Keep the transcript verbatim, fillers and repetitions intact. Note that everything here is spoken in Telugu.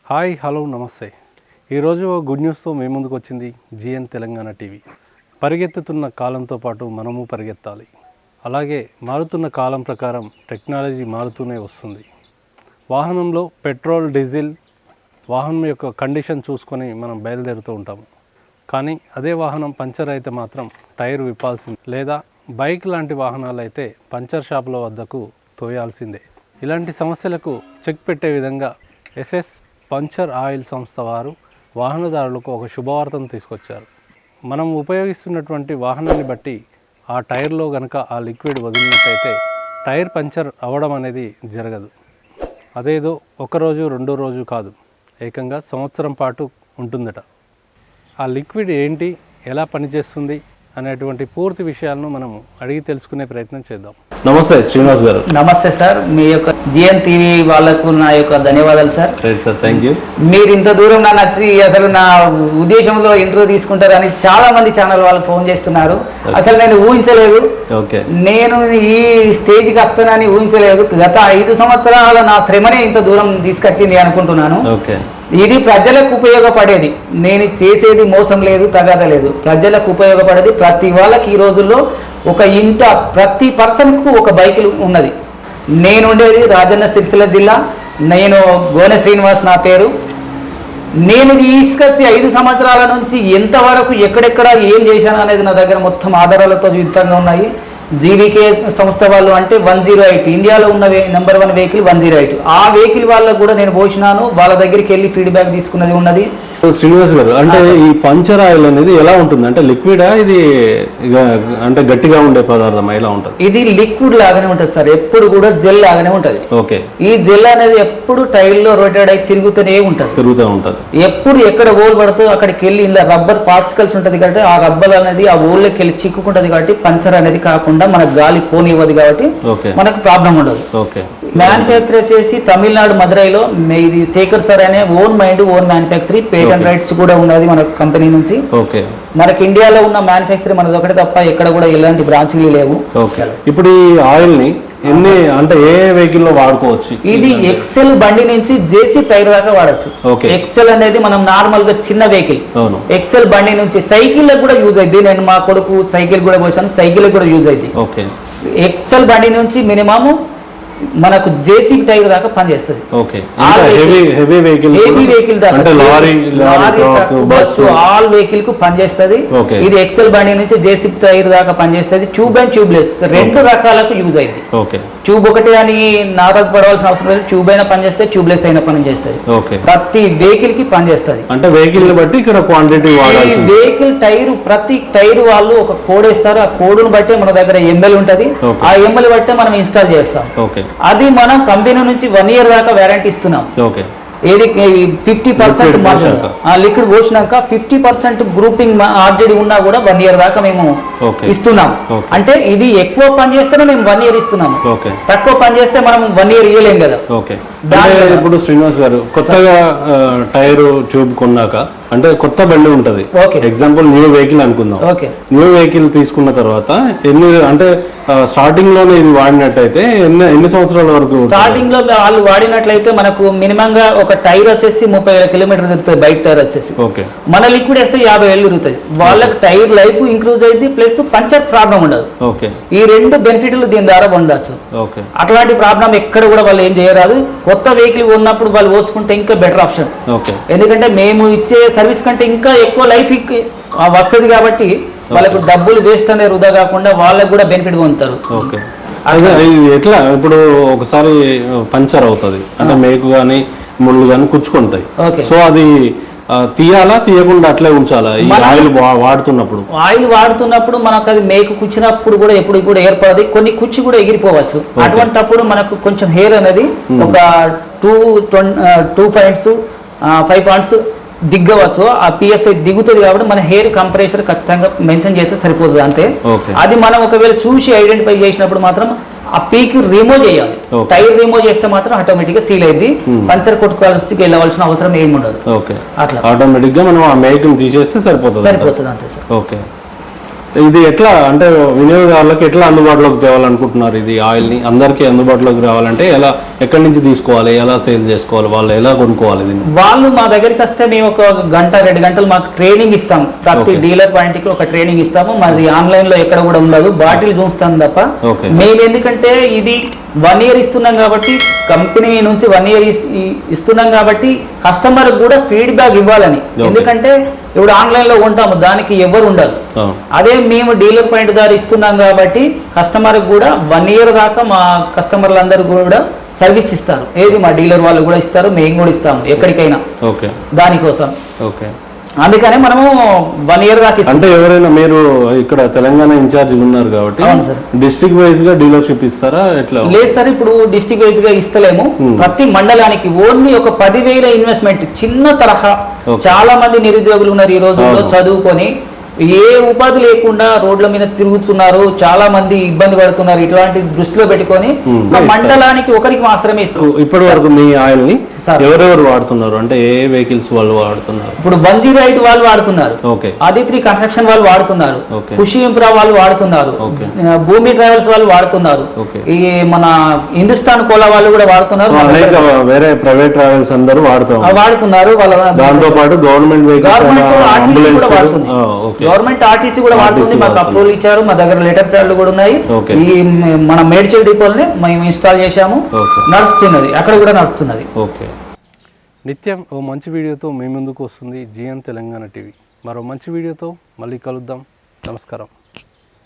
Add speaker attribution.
Speaker 1: హాయ్ హలో నమస్తే. ఈరోజు గుడ్ న్యూస్తో మీ ముందుకు వచ్చింది జిఎన్ తెలంగాణ టీవీ. పరిగెత్తుతున్న కాలంతో పాటు మనము పరిగెత్తాలి. అలాగే మారుతున్న కాలం ప్రకారం టెక్నాలజీ మారుతూనే వస్తుంది. వాహనంలో పెట్రోల్, డీజిల్, వాహనం యొక్క కండిషన్ చూసుకొని మనం బయలుదేరుతూ ఉంటాము. కానీ అదే వాహనం పంచర్ అయితే మాత్రం టైర్ విప్పాల్సింది, లేదా బైక్ లాంటి వాహనాలు అయితే పంచర్ షాపుల వద్దకు తోయాల్సిందే. ఇలాంటి సమస్యలకు చెక్ పెట్టే విధంగా ఎస్ఎస్ పంచర్ ఆయిల్ సంస్థ వారు వాహనదారులకు ఒక శుభవార్తను తీసుకొచ్చారు. మనం ఉపయోగిస్తున్నటువంటి వాహనాన్ని బట్టి ఆ టైర్లో కనుక ఆ లిక్విడ్ వదిలినట్టయితే టైర్ పంచర్ అవ్వడం అనేది జరగదు. అదేదో ఒకరోజు రెండో రోజు కాదు, ఏకంగా సంవత్సరం పాటు ఉంటుందట. ఆ లిక్విడ్ ఏంటి, ఎలా పనిచేస్తుంది అనేటువంటి పూర్తి విషయాలను మనం అడిగి తెలుసుకునే ప్రయత్నం చేద్దాం.
Speaker 2: నమస్తే శ్రీనివాస్ గారు.
Speaker 3: నమస్తే సార్. మీ యొక్క జిఎన్ టీవీ వాళ్ళకు నా యొక్క ధన్యవాదాలు సార్.
Speaker 2: Sir thank you. మీరు
Speaker 3: ఇంత దూరం నా నచ్చి అసలు నా ఉద్దేశంలో ఇంటర్వ్యూ తీసుకుంటారని చాలా మంది ఛానల్ వాళ్ళు ఫోన్ చేస్తున్నారు. అసలు నేను ఊహించలేదు.
Speaker 2: ఓకే, నేను
Speaker 3: ఈ స్టేజ్కి వస్తానని ఊహించలేదు. గత ఐదు సంవత్సరాల నా శ్రమనే ఇంత దూరం తీసుకొచ్చింది అనుకుంటున్నాను.
Speaker 2: ఓకే,
Speaker 3: ఇది ప్రజలకు ఉపయోగపడేది. నేను చేసేది మోసం లేదు, తగాద లేదు. ప్రజలకు ఉపయోగపడేది. ప్రతి వాళ్ళకి ఈ రోజుల్లో ఒక ఇంట ప్రతి పర్సన్కు ఒక బైక్ ఉన్నది. నేను ఉండేది రాజన్న సిరిసిల్ల జిల్లా. నేను గోనె శ్రీనివాస్ నా పేరు. నేను తీసుకొచ్చి ఐదు సంవత్సరాల నుంచి ఎంతవరకు ఎక్కడెక్కడ ఏం చేశాను అనేది నా దగ్గర మొత్తం ఆధారాలతో యుక్తంగా ఉన్నాయి. జీవీకే సంస్థ వాళ్ళు అంటే వన్ జీరో ఎయిట్ ఇండియాలో ఉన్న number one vehicle one zero eight ఆ వెహికల్ వాళ్ళకు కూడా నేను పోసినాను. వాళ్ళ దగ్గరికి వెళ్ళి ఫీడ్బ్యాక్ తీసుకున్నది ఉన్నది.
Speaker 2: శ్రీనివాస్ గారు, అంటే ఈ పంచర్ ఆయిల్ అనేది ఎలా ఉంటుంది? అంటే లిక్విడా, ఇది అంటే గట్టిగా ఉండే పదార్థం ఎలా ఉంటుంది?
Speaker 3: ఇది లిక్విడ్ లాగానే ఉంటుంది సార్. ఎప్పుడు కూడా జెల్ లాగానే ఉంటుంది.
Speaker 2: ఓకే, ఈ
Speaker 3: జెల్ అనేది ఎప్పుడు టైర్ లో రొటేట్ అయి తిరుగుతూనే ఉంటుంది
Speaker 2: తిరుగుతూ ఉంటుంది
Speaker 3: ఎప్పుడు ఎక్కడ ఓల్ పడుతుందో అక్కడికి వెళ్ళి ఇలా రబ్బర్ పార్టికల్స్ ఉంటుంది కాబట్టి ఆ రబ్బర్ అనేది ఆ ఓల్లోకి వెళ్ళి చిక్కుకుంటుంది. కాబట్టి పంచర్ అనేది కాకుండా మనకు గాలి పోనివ్వదు కాబట్టి మనకు ప్రాబ్లం ఉండదు.
Speaker 2: ఓకే,
Speaker 3: మ్యానుఫ్యాక్చర్ చేసి తమిళనాడు మదురైలో ఇది శేఖర్ సార్ అనే own mind own manufacturing patent rights కూడా ఉన్నది మన కంపెనీ నుంచి.
Speaker 2: ఓకే,
Speaker 3: మనకి ఇండియాలో ఉన్న మ్యానుఫ్యాక్చరింగ్ మనది ఒకటే తప్ప ఎక్కడ కూడా ఎలాంటి బ్రాంచ్లు లేవు.
Speaker 2: ఓకే, ఇప్పుడు ఈ ఆయిల్ ని ఎన్ని అంటే ఏ వెహికల్ లో వాడుకోవచ్చు?
Speaker 3: ఇది ఎక్సెల్ బండి నుంచి జేసీ టైర్ దాకా వాడచ్చు. ఎక్సెల్ అనేది మనం నార్మల్ గా చిన్న వెహికల్. ఎక్సెల్ బండి నుంచి సైకిల్ కూడా యూజ్ అయింది. నేను మా కొడుకు సైకిల్ కూడా పోసాను, సైకిల్ కూడా యూజ్ అయింది. ఎక్సెల్ బండి నుంచి మినిమం మనకు జేసీ టైర్ దాకా పనిచేస్తుంది. బస్సు ఆల్ వెహికల్ కు పనిచేస్తుంది. ఇది ఎక్సెల్ బండి నుంచి జేసీ టైర్ దాకా పనిచేస్తుంది. ట్యూబ్ అండ్ ట్యూబ్లెస్ రెండు రకాలకు యూజ్ అయింది. ట్యూబ్ ఒకటి అని నారాజు పడవలసిన అవసరం లేదు. ట్యూబ్ అయినా పనిచేస్తుంది, ట్యూబ్లెస్ అయినా పనిచేస్తుంది. ప్రతి వెహికల్ కి పనిచేస్తుంది.
Speaker 2: అంటే వెహికల్ బట్టి ఇక్కడ క్వాంటిటీ
Speaker 3: వెహికల్ టైర్ ప్రతి టైర్ వాళ్ళు ఒక కోడ్ ఇస్తారు. ఆ కోడ్ను బట్టి మన దగ్గర ఎంఎల్ ఉంటది. ఆ ఎంఎల్ బట్టే మనం ఇన్స్టాల్ చేస్తాం. అది మనం కంపెనీ నుంచి వన్ ఇయర్ దాకా వారంటీ ఇస్తున్నాం. ఏది ఫిఫ్టీ పర్సెంట్ లిక్విడ్ పోసినాక ఫిఫ్టీ పర్సెంట్ గ్రూపింగ్ ఆర్జెడి ఉన్నా కూడా వన్ ఇయర్ దాకా మేము ఇస్తున్నాం. అంటే ఇది ఎక్కువ పని చేస్తేనే మేము వన్ ఇయర్ ఇస్తున్నాము. తక్కువ పని చేస్తే మనం వన్ ఇయర్ ఇవ్వలేం కదా.
Speaker 2: ఇప్పుడు శ్రీనివాస్ గారు, కొత్తగా టైర్ ట్యూబ్ కొన్నాక అంటే కొత్త బండి ఉంటది, ఎగ్జాంపుల్ న్యూ వెహికల్ అనుకుందాం. న్యూ వెహికల్ తీసుకున్న తర్వాత ఎన్ని అంటే స్టార్టింగ్ లోనే ఇది వాడినట్టయితే ఎన్ని ఎన్ని సంవత్సరాల వరకు?
Speaker 3: స్టార్టింగ్ లో వాళ్ళు వాడినట్లయితే మనకు మినిమం గా ఒక టైర్ వచ్చేసి ముప్పై వేల కిలోమీటర్ తిరుగుతుంది. బైక్ టైర్ వచ్చేసి మన లిక్విడ్ వేస్తే యాభై వేలు తిరుగుతుంది. వాళ్ళకి టైర్ లైఫ్ ఇంక్రూజ్ అయింది, ప్లస్ పంచర్ ప్రాబ్లం ఉండదు. ఈ రెండు బెనిఫిట్లు దీని ద్వారా పొందవచ్చు. అట్లాంటి ప్రాబ్లం ఎక్కడ కూడా వాళ్ళు ఏం చేయరాదు. కొత్త వెహికల్ ఉన్నప్పుడు వాళ్ళు పోసుకుంటే ఇంకా బెటర్ ఆప్షన్. ఎందుకంటే మేము ఇచ్చే సర్వీస్ కంటే ఇంకా ఎక్కువ లైఫ్ వస్తుంది కాబట్టి వాళ్ళకు డబ్బులు వేస్ట్ అనేది వృధా కాకుండా వాళ్ళకు కూడా బెనిఫిట్ పొందుతారు.
Speaker 2: ఎట్లా ఇప్పుడు ఒకసారి పంచర్ అవుతుంది అంటే మేకు కానీ ముళ్ళు కానీ కుచ్చుకుంటాయి. సో అది తీయాలా, తీయకుండా అట్లే ఉంచాలా? ఈ ఆయిల్ వాడుతున్నప్పుడు
Speaker 3: ఆయిల్ వాడుతున్నప్పుడు మనకు అది మేకు కుచ్చినప్పుడు కూడా ఎప్పుడు కూడా ఏర్పడదు. కొన్ని కుచ్చి కూడా ఎగిరిపోవచ్చు. అటువంటిప్పుడు మనకు కొంచెం హెయిర్ అనేది ఒక two two points five points దిగ్గవచ్చు. ఆ పిఎస్ఐ దిగుతుంది కాబట్టి మన హెయిర్ కంప్రెషర్ ఖచ్చితంగా మెన్షన్ చేస్తే సరిపోతుంది అంతే. అది మనం ఒకవేళ చూసి ఐడెంటిఫై చేసినప్పుడు మాత్రం ఆ పీక్ రిమూవ్ చేయాలి. టైర్ రిమూవ్ చేస్తే మాత్రం ఆటోమేటిక్ గా సీల్ అయింది. పంచర్ కొట్టుకోవాల్సి వెళ్ళవలసిన అవసరం ఏమి ఉండదు.
Speaker 2: అట్లా ఆటోమేటిక్ గా మనం ఆ మేక్ తీసేస్తే సరిపోతుంది
Speaker 3: సరిపోతుంది అంతే సార్.
Speaker 2: ఓకే, ఇది ఎట్లా అంటే వినియోగదారులకు ఎట్లా అందుబాటులోకి తేవాలనుకుంటున్నారు ఇది ఆయిల్ని అందరికీ అందుబాటులోకి రావాలంటే ఎలా ఎక్కడి నుంచి తీసుకోవాలి ఎలా సేల్ చేసుకోవాలి వాళ్ళు ఎలా కొనుక్కోవాలి దీన్ని
Speaker 3: వాళ్ళు మా దగ్గరికి వస్తే మేము ఒక గంట రెండు గంటలు మాకు ట్రైనింగ్ ఇస్తాం ప్రతి డీలర్ పాయింట్ కి ఒక ట్రైనింగ్ ఇస్తాము మాది ఆన్లైన్ లో ఎక్కడ కూడా ఉండదు బాటిల్ చూస్తాం తప్ప మేము ఎందుకంటే ఇది వన్ ఇయర్ ఇస్తున్నాం కాబట్టి కంపెనీ నుంచి వన్ ఇయర్ ఇస్తున్నాం కాబట్టి కస్టమర్ కూడా ఫీడ్బ్యాక్ ఇవ్వాలని ఎందుకంటే ఇప్పుడు ఆన్లైన్ లో ఉంటాము దానికి ఎవరు ఉండరు అదే మేము డీలర్ పాయింట్ ద్వారా ఇస్తున్నాం కాబట్టి కస్టమర్ కూడా వన్ ఇయర్ దాకా మా కస్టమర్లు అందరూ కూడా సర్వీస్ ఇస్తారు ఏది మా డీలర్ వాళ్ళు కూడా ఇస్తారు మేము కూడా ఇస్తాము ఎక్కడికైనా దానికోసం
Speaker 2: ఓకే
Speaker 3: అందుకనే మనము వన్ ఇయర్ దాకా
Speaker 2: అంటే ఎవరైనా మీరు ఇక్కడ తెలంగాణ ఇన్ఛార్జ్ ఉన్నారు కాబట్టి డిస్ట్రిక్ట్ వైజ్ గా డీలర్షిప్ ఇస్తారా ఎట్లా
Speaker 3: లేదు సార్ ఇప్పుడు డిస్ట్రిక్ట్ వైజ్ గా ఇస్తలేము ప్రతి మండలానికి ఓన్లీ ఒక పదివేల ఇన్వెస్ట్మెంట్ చిన్న తరహా చాలా మంది నిరుద్యోగులు ఉన్నారు ఈ రోజుల్లో చదువుకొని ఏ ఉపాధి లేకుండా రోడ్ల మీద తిరుగుతున్నారు చాలా మంది ఇబ్బంది పడుతున్నారు ఇట్లాంటి దృష్టిలో పెట్టుకొని మండలానికి ఒకరికి మాత్రమే ఇస్తారు
Speaker 2: ఇప్పటి వరకు మీ ఆయిల్ ని ఎవరెవరు వాడుతున్నారు అంటే ఏ వెహికల్స్ వాళ్ళు వాడుతున్నారు
Speaker 3: ఇప్పుడు వన్ జీరో ఎయిట్ వాళ్ళు వాడుతున్నారు ఆదిత్రి కన్స్ట్రక్షన్ వాళ్ళు వాడుతున్నారు ఖుషి ఇంప్రా వాళ్ళు వాడుతున్నారు భూమి ట్రావెల్స్ వాళ్ళు వాడుతున్నారు ఈ మన హిందుస్థాన్ కోలా వాళ్ళు కూడా వాడుతున్నారు
Speaker 2: వేరే ప్రైవేట్ ట్రావెల్స్ అందరూ వాడుతున్నారు
Speaker 3: వాడుతున్నారు వాళ్ళ
Speaker 2: దాంతో పాటు గవర్నమెంట్
Speaker 3: వాడుతుంది గవర్నమెంట్ ఆర్టీసీ కూడా వాడుతుంది మాకు అప్రూవల్ ఇచ్చారు మా దగ్గర లెటర్ ప్యాడ్లు కూడా ఉన్నాయి ఈ మన మేడ్చల్ డిపోల్ని మేము ఇన్స్టాల్ చేశాము నడుస్తున్నది అక్కడ కూడా నడుస్తున్నది
Speaker 1: నిత్యం ఓ మంచి వీడియోతో మీ ముందుకు వస్తుంది జిఎన్ తెలంగాణ టీవీ మరో మంచి వీడియోతో మళ్ళీ కలుద్దాం నమస్కారం.